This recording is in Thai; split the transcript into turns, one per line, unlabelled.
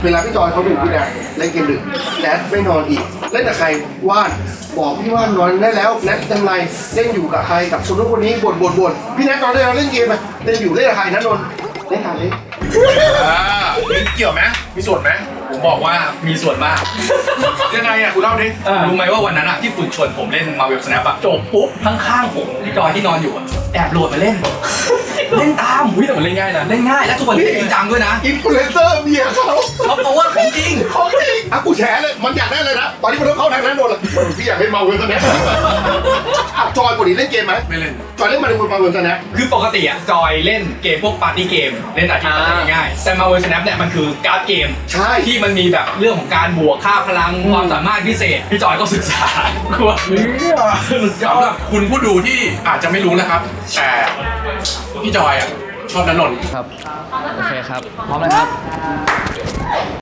เวลาพี่จอยเขาดึกพี่แดดเล่นเกมดึกแดดไม่นอนอีกเล่นกับใครว่านบอกพี่ว่านนอนได้แล้วแนทยังไงเล่นอยู่กับใครกับคนนู้นคนนี้บ่นพี่แนทนอนได้แล้วเล่นเกมไหมเล่นอยู่เล่นกับใครนะนนท์เล่นกับเล่น
มีเกี่ยวไหมมีส่วนไหมผมบอกว่ามีส่วนมากยังไงอ่ะคุณเล่าดิ
รู้ไหมว่าวันนั้นอะที่คุณชวนผมเล่นมาเวลสแนปอะจบปุ๊บข้างๆผมพี่จอยที่นอนอยู่อะแอบโหลดมาเล่น เล่นตามอุ้ยแต่มันเล่นง่ายนะเล่นง่ายและทุกคนเล่นจริงจังด้วยนะ
อินฟลูเอนเซอร์เมียเขา
เขาบอกว่าของจริง
ของจริงอ่ะกูแฉเลยมันอยากได้เลยนะตอนนี้มันต้องเข้าทางนั้นโดนละพี่อยากเล่นมาเวลตอนนี้จอยปกติเล่นเกมไหม
ไม่เล่น
จอยเล่นมาเวลตอนนี้
คือปกติอะจอยเล่นเกมพวกปาร์ตี้เกมเล่นอาชีพง่ายๆแต่มาเวลสแนปเนี่ยมันคือการ์ดเกม
ใช่
ที่มันมีแบบเรื่องของการบวกค่าพลังความสามารถพิเศษพี่จอยก็ศึกษาว่า
สำหรับคุณผู้ดูที่อาจจะไม่รู้นะครับ แต่พี่จอยอ่ะชอบณนนท์
ครับ โอเคครับ พร้อมเลยครับ